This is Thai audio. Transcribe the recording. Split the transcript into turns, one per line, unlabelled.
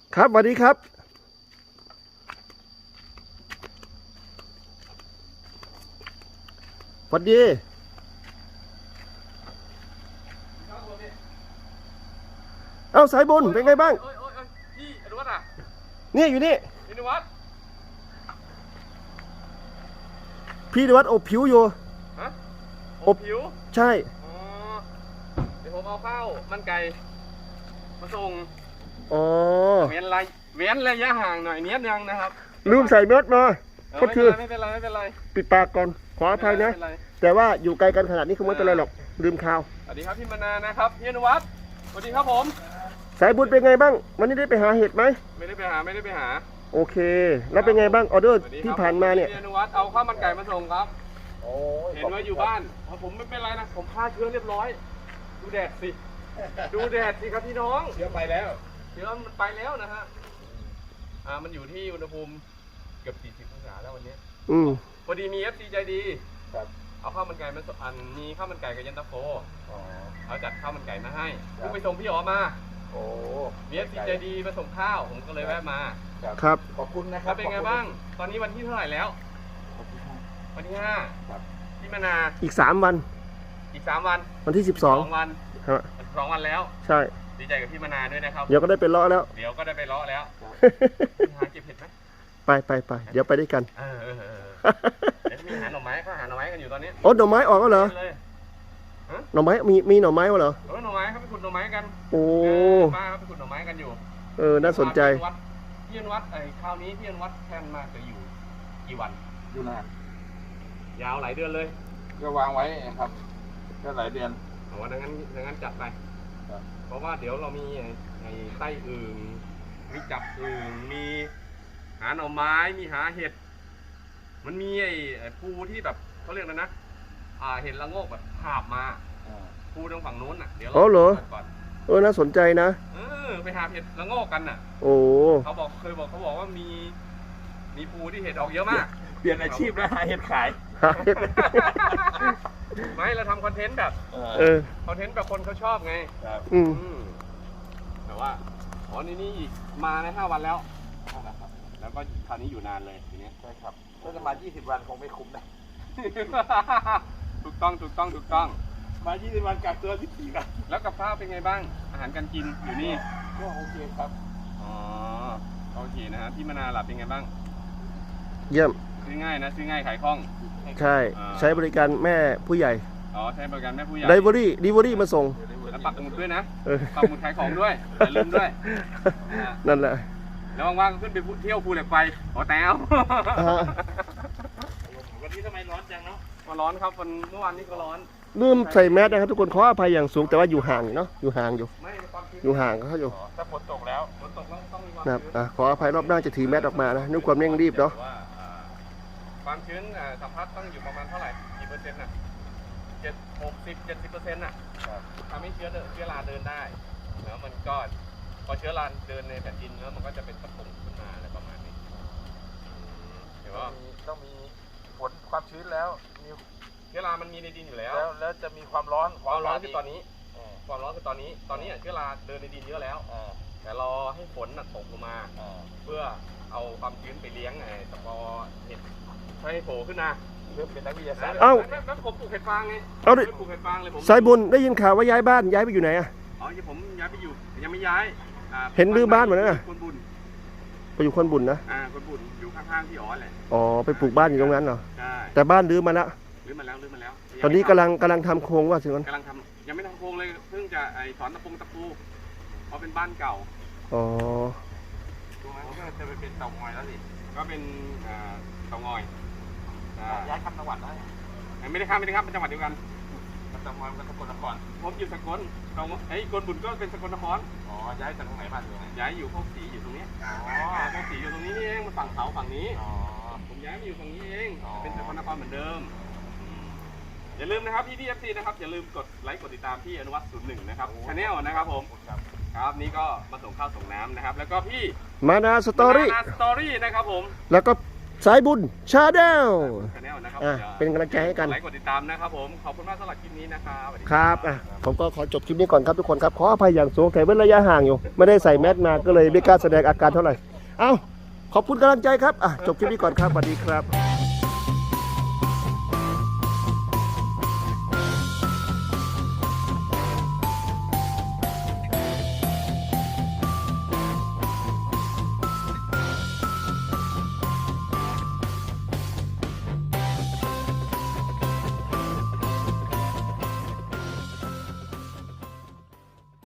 ครับสวัสดีครับสวัสดีเอ้าสายบุญเป็นไงบ้าง
พี่อนุวัฒน์อ่ะ
นี่อยู่นี่
พี่อนุวัฒน์
พี่นวัดอบผิวอยู่
ฮะอบผิว
ใช่
อ๋อเดี๋ยวผมเอาข้าวมันไก่มาส่ง
อ๋อ
เว้นระยะห่างหน่อยเนี้ยยังนะครับ
ลืมใส่เม็ดมาก็คือ
ไม่เป็นไร
ปิดปากก่อนขออภัยนะแต่ว่าอยู่ไกลกันขนาดนี้คงไม่เป็นไรหรอกลืมข่าว
สวัสดีครับพี่มนานะครับพี่อนุวัฒน์สวัสดีครับผม
สายบุญเป็นไงบ้างวันนี้ได้ไปหาเห็ดไหม
ไม่ได้ไปหา
โอเคแล้วเป็นไงบ้างออเดอร์ที่ผ่านมาเนี่ย
พี่อนุวัฒน์เอาข้าวมันไก่มาส่งครับเห็นว่าอยู่บ้านผมไม่เป็นไรนะผมฆ่าเชื้อเรียบร้อยดูแดดสิครับพี่น้อง
เชื้อไปแล้ว
เชื้อมันไปแล้วนะฮะมันอยู่ที่อุณหภูมิเกือบ40 องศาแล้ววันนี้พอดีมี FC ใจดีเอาข้าวมันไก่มามีข้าวมันไก่กับเย็นตาโฟเขาจัดข้าวมันไก่มาให้ไปส่งพี่อ๋อมามี FC ใจดีมาส่งข้าวผมก็เลยแวะมา
ครับ
ขอบคุณนะครับ
เป็นไงบ้างตอนนี้วันที่เท่าไหร่แล้ววันที่5พี่มนา
อีก3 วัน
อีก3 วัน
วันที่
12 วัน
ครับ
2 วันแล้ว
ใช่
ดีใจกับพี่มนาด้วยนะครับ
เดี๋ยวก็ได้ไปเลาะแล้ว
หาเก็บเห็ดไหม
ไปเดี๋ยวไปด้วยกัน
เดี๋ยวมีหาหน่อไม้ก็หาหน่อไม้กันอยู่ตอนนี้
โอ้หน่อไม้ออกแล้วเหรอหน่อไม้มีหน่อไม้เหรอ
หน่อไม้เขาไปขุดหน่อไม้กัน
โอ้
ป้าเขาไปขุดหน่อไม้กันอยู่
น่าสนใจ
พี่อนุวัฒน์คราวนี้พี่อนุวัฒน์แทนมาจะอยู่กี่วัน
อยู่นาน
ยาวหลายเดือนเลย
ก็วางไว้ครับก็หลายเดือน
ดังนั้นจัดไปเพราะว่าเดี๋ยวเรามีไอ้ไส้อึ่งมีจับอึ่งมีหาหน่อไม้มีหาเห็ดมันมีไอ้ภูที่แบบเขาเรียกอะไรนะเห็ดละโงกแบบหาบมาภูตรงฝั่งนู้นน่ะเดี๋ยวเราก่อน
น่าสนใจนะ
ไปหาเห็ดละโงกกันน่ะเขาบอกว่ามีภูที่เห็ดออกเยอะมาก
เปลี่ยนอาชีพแล้วหาเห็ดขาย
ไม่เราทำคอนเทนต์แบบคอนเทนต์แบบคนเขาชอบไงแต่ว่านี่อีกมาใน5 วันแล้วแล้วก็คราวนี้อยู่นานเลยทีนี้
ใช่ครับถ้าจะมา20 วันคงไม่คุ้มนะ
ถูกต้อง
มา20 วันกักตัว14 วัน
แล้วกับข้าวเป็นไงบ้างอาหารการกินอยู่นี่
ก็โอเคครับ
โอเคนะฮะพี่มนาหลับเป็นไงบ้าง
เยี่ยม
ซื้อง่ายนะซื้อง่ายขายคล่อง
ใช่ใช้บริการแม่ผู้ใหญ่
ใช้บริการแม่ผู้ใหญ่
ดิเวอรี่มาส่ง
แล้วปักหมุดด้วยนะปักหมุดขายของด้วยอย่าลืมด้วย
นั่นแหละ
แล้วว่างๆขึ้นไปเที่ยวภูเหล็กไฟแต้ว
วันนี้ทำไมร้อนจังเนาะ
ร้อนครับเมื่อวานนี้ก็ร้อน
ลืมใส่แมสนะครับทุกคนขออภัยอย่างสูงแต่ว่าอยู่ห่างเนาะอยู่ห่างเขาอยู่
ถ้าฝนตกแล้ว
ต้องมี
นะขออภัยรอบหน้าจะถือแมสออกมานะด้วยความเร่งรีบเนาะ
ความชื้นสัมผัสต้องอยู่ประมาณเท่าไหร่กี่เปอร์เซ็นต์น่ะ70% น่ะทำให้เชื้อราเดินได้แล้วมันก็พอเชื้อราเดินในแผ่นดินแล้วมันก็จะเป็นตะปุ่มขึ้นมาอะไรประมาณนี้เดี๋ยว
ต้องมีฝนความชื้นแล้วมี
เชื้อรามันมีในดินอยู่แล้ว
จะมีความร้อน
คือตอนนี้ความร้อนคือตอนนี้เชื้อราเดินในดินเยอะแล้วแต่รอให้ฝนตกลงมาเพื่อเอาความชื้นไปเลี้ยงตะกอเห็ดให้โผล่ขึ้นมา
เริ่มเป็นนักวิทยาศาสตร์
แล้วผมปลูกเห็ดฟางไงปลูกเห็ดฟางเลยผม
สายบุญได้ยินข่าวว่าย้ายบ้านย้ายไปอยู่ไหน
ผมย้ายไปอยู่ยังไม่ย้าย
เห็นรื้อบ้านหมดแล้วนะ
คนบุญ
ไปอยู่คนบุญนะ
คนบุญอยู่ข้างๆพี่อ๋อแหละ
ไปปลูกบ้านอยู่ตรงนั้นเหรอ
ใช่
แต่บ้านรื้อมาแล้วตอนนี้กำลังทำโครงว่าสิมัน
กำลังทำยังไม่ทำโครงเลยเพิ่งจะสอนตะปูเพราะเป็นบ้านเก่า
ตรงนั้นก็จะไปเป็นเตางอยแล้วสิ
ก็เป็นเตางอย
ย้ายข้ามจังหวัดได้
ไม่ได้ข้ามเป็นจังหวัดเดียวกัน
เตางอยมันสกลนคร
ผมอยู่สกลคนบุญก็เป็นสกลนคร
ย้ายจากตรงไหนมาอยู่ไหน
ย้ายอยู่โคกศรีอยู่ตรงนี้โคกศรีอยู่ตรงนี้นี่เองมันฝั่งเขาฝั่งนี้ผมย้ายมาอยู่ฝั่งนี้เองเป็นสกลนครเหมือนเดิมอย่าลืมนะครับพี่FCนะครับอย่าลืมกดไลค์กดติดตามพี่อนุวัฒน์01นะครับชาแนลนะครับผมครับนี่ก็มาส่งข้าวส่งน้ำนะครับแล้วก็พี่
มานาสตอรี่
นะครับผม
แล้วก็สายบุญชาแนล
ชาแนลนะครับ
เป็นกำลังใจให้กัน
ไลค์กดติดตามนะครับผมขอบคุณมากสำหรับคลิปนี้นะครับสวัสดี
ครับผมก็ขอจบคลิปนี้ก่อนครับทุกคนครับขออภัยอย่างสูงแต่เว้นระยะห่างอยู่ไม่ได้ใส่แมสมาก็เลยไม่กล้าแสดงอาการเท่าไหร่เอ้าขอบคุณกำลังใจครับจบคลิปนี้ก่อนครับสวัสดีครับ